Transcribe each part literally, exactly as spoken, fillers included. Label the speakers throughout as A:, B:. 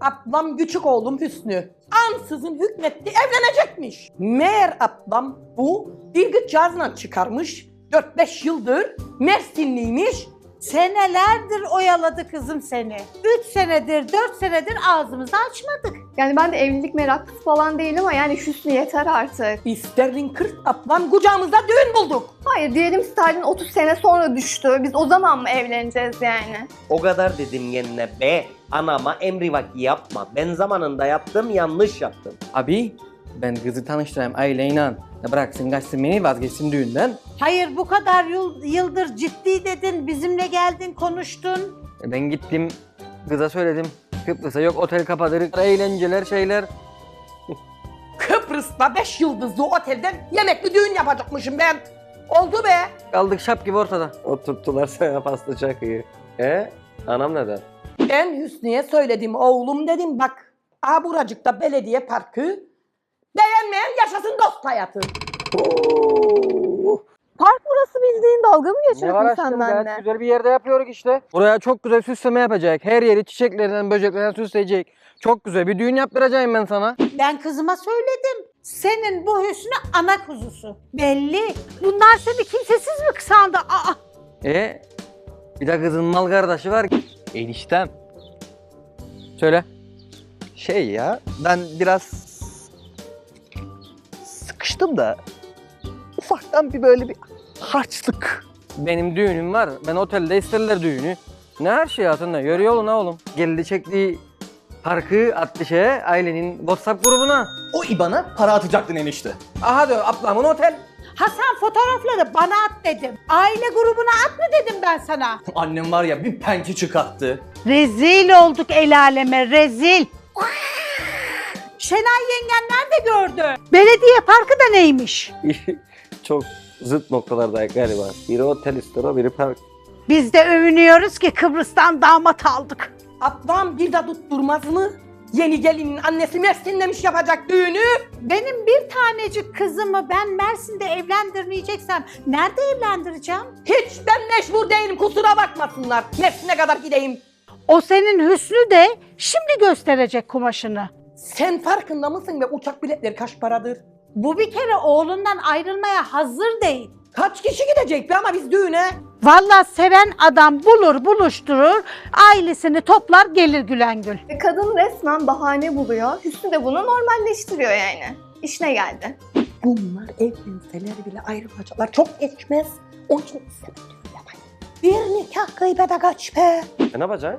A: ablam küçük oğlum Hüsnü ansızın hükmetti evlenecekmiş. Meğer ablam bu bir kızcağızla çıkarmış. dört beş yıldır Mersinliymiş.
B: Senelerdir oyaladı kızım seni. Üç senedir, dört senedir ağzımızı açmadık.
C: Yani ben de evlilik meraklısı falan değilim ama yani Hüsnü yeter artık.
A: İsterlin kırk ablam kucağımızda düğün bulduk.
C: Hayır diyelim Stalin otuz sene sonra düştü. Biz o zaman mı evleneceğiz yani?
D: O kadar dedim kendine be. Anama emrivaki yapma. Ben zamanında yaptım, yanlış yaptım.
E: Abi ben kızı tanıştırayım aileyle. Ya bıraksın kaçsın beni vazgeçsin düğünden.
B: Hayır bu kadar yıl, yıldır ciddi dedin, bizimle geldin, konuştun.
E: E ben gittim kıza söyledim. Kıbrıs'a yok otel kapatır, eğlenceler şeyler.
A: Kıbrıs'ta beş yıldızlı otelde yemekli düğün yapacakmışım ben. Oldu be.
E: Kaldık şap gibi ortada.
D: Oturttular sana pasta çakıyı. E? Anam neden?
A: Ben Hüsnü'ye söyledim oğlum dedim bak. Aha buracıkta belediye parkı. Beğenmeyen yaşasın dost hayatı.
C: Park burası bildiğin, dalga mı
E: Ne
C: geçiyorsun
E: var
C: sen
E: aşkım gayet
C: benimle?
E: güzel bir yerde yapıyoruz işte. Buraya çok güzel süsleme yapacak. Her yeri çiçeklerden, böceklerden süsleyecek. Çok güzel bir düğün yaptıracağım ben sana.
B: Ben kızıma söyledim. Senin bu Hüsnü ana kuzusu. Belli. Bunlar seni kimsesiz mi sandı? Aa!
E: E bir de kızın mal kardeşi var. Eniştem. Söyle.
F: Şey ya, ben biraz sıkıştım da ufaktan bir böyle bir harçlık.
E: Benim düğünüm var. Ben otelde isterler düğünü. Ne her şey hatırında. Görüyor oğlum ne oğlum. Geldi çektiği parkı attı şeye ailenin WhatsApp grubuna.
F: O İBAN'a para atacaktın enişte.
E: Aha diyor ablamın otel.
B: Hasan fotoğrafları bana at dedim. Aile grubuna at mı dedim ben sana?
F: Annem var ya bir pençe çıkarttı.
B: Rezil olduk el aleme, rezil. Şenay yengenler de gördü. Belediye parkı da neymiş?
D: Çok zıt noktalardayız galiba. Biri otel istiyor, biri park.
B: Biz de övünüyoruz ki Kıbrıs'tan damat aldık.
A: Ablam bir de tutturmaz mı? Yeni gelinin annesi Mersin'lemiş yapacak düğünü.
B: Benim bir tanecik kızımı ben Mersin'de evlendirmeyeceksem nerede evlendireceğim?
A: Hiç ben meşhur değilim kusura bakmasınlar. Mersin'e kadar gideyim.
B: O senin Hüsnü de şimdi gösterecek kumaşını.
A: Sen farkında mısın be uçak biletleri kaç paradır?
B: Bu bir kere oğlundan ayrılmaya hazır değil.
A: Kaç kişi gidecek be ama biz düğüne?
B: Vallahi seven adam bulur buluşturur, ailesini toplar gelir gülen gül.
C: Ve kadın resmen bahane buluyor. Hüsnü de bunu normalleştiriyor yani. İşine geldi.
A: Bunlar evlenseler bile ayrılacaklar. Çok geçmez. Onun için istemem düğün yapayım. Bir nikah gıybete kaç be.
D: E ne yapacaksın?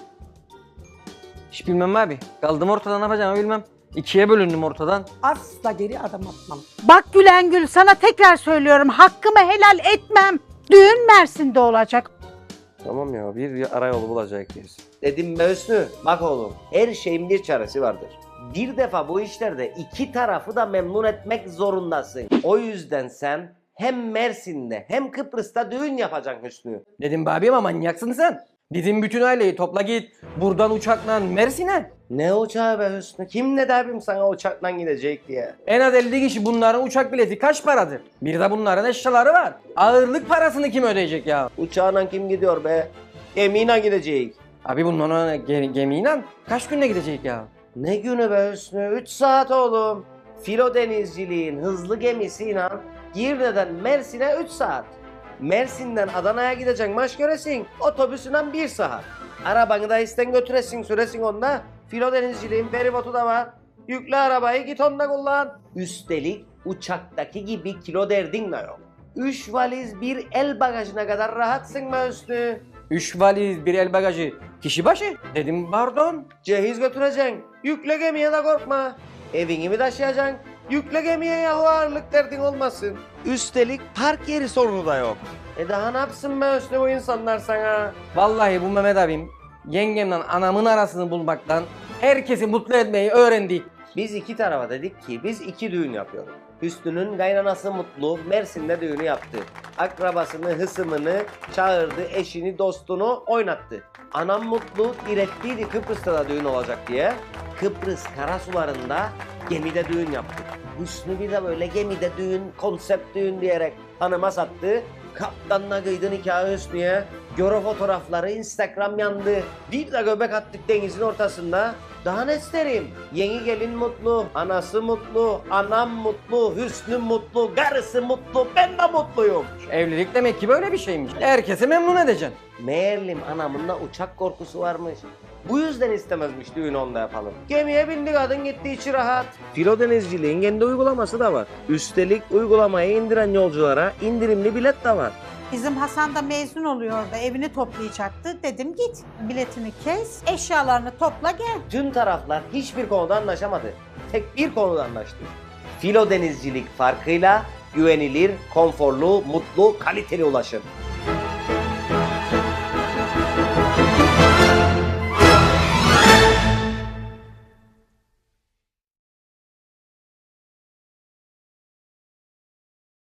E: Hiç bilmem abi. Kaldım ortada ne yapacağımı bilmem. İkiye bölündüm ortadan.
A: Asla geri adım atmam.
B: Bak gülen gül sana tekrar söylüyorum hakkımı helal etmem. Düğün Mersin'de olacak.
D: Tamam ya bir arayolu bulacak biz. Dedim be Hüsnü, bak oğlum her şeyin bir çaresi vardır. Bir defa bu işlerde iki tarafı da memnun etmek zorundasın. O yüzden sen hem Mersin'de hem Kıbrıs'ta düğün yapacaksın Hüsnü.
E: Dedim be abi ama manyaksın sen. Bizim bütün aileyi topla git. Buradan uçakla Mersin'e.
D: Ne uçağı be Hüsnü? Kim ne derim sana uçakla gidecek diye.
E: En az elli kişi bunların uçak bileti kaç paradır? Bir de bunların eşyaları var. Ağırlık parasını kim ödeyecek ya?
D: Uçağına kim gidiyor be? Gemiyle gidecek.
E: Abi bunların ge- gemiyle kaç günde gidecek ya?
D: Ne günü be Hüsnü? üç saat oğlum. Filo denizciliğin hızlı gemisiyle Girne'den Mersin'e üç saat. Mersin'den Adana'ya gideceksin maç göresin. Otobüsünden bir saat. Arabanı da isten götüresin süresin onda. Filo denizciliğin feribotu da var. Yükle arabayı git onda kullan. Üstelik uçaktaki gibi kilo derdin de yok. Üç valiz bir el bagajına kadar rahatsın be Hüsnü.
E: Üç valiz bir el bagajı kişi başı. Dedim pardon.
D: Cehiz götüreceksin. Yükle gemiye de korkma. Evini mi taşıyacaksın? Yükle gemiye yahu ağırlık derdin olmasın. Üstelik park yeri sorunu da yok. E daha ne yapsın be Hüsnü bu insanlar sana?
E: Vallahi bu Mehmet abim yengemle anamın arasını bulmaktan herkesi mutlu etmeyi öğrendi.
D: Biz iki tarafa dedik ki biz iki düğün yapıyoruz. Hüsnü'nün kaynanası Mutlu Mersin'de düğünü yaptı. Akrabasını, hısımını çağırdı, eşini, dostunu oynattı. Anam Mutlu direttiydi Kıbrıs'ta da düğün olacak diye. Kıbrıs karasularında gemide düğün yaptı. Hüsnü bir de böyle gemide düğün, konsept düğün diyerek hanıma sattı. Kaptanla kıydı nikahı Hüsnü'ye. Göre fotoğrafları Instagram yandı. Bir de göbek attık denizin ortasında. Daha ne isterim? Yeni gelin mutlu, anası mutlu, anam mutlu, Hüsnü mutlu, karısı mutlu, ben de mutluyum.
E: Evlilik demek ki böyle bir şeymiş. Herkesi memnun edeceksin.
D: Meğerlim anamın da uçak korkusu varmış. Bu yüzden istemezmiş düğün onda yapalım. Gemiye bindi kadın gitti içi rahat. Filo denizciliğin kendi uygulaması da var. Üstelik uygulamayı indiren yolculara indirimli bilet de var.
B: Bizim Hasan da mezun oluyor da evini toplayacaktı. Dedim git biletini kes, eşyalarını topla gel.
D: Tüm taraflar hiçbir konuda anlaşamadı. Tek bir konuda anlaştı. Filo denizcilik farkıyla güvenilir, konforlu, mutlu, kaliteli ulaşım.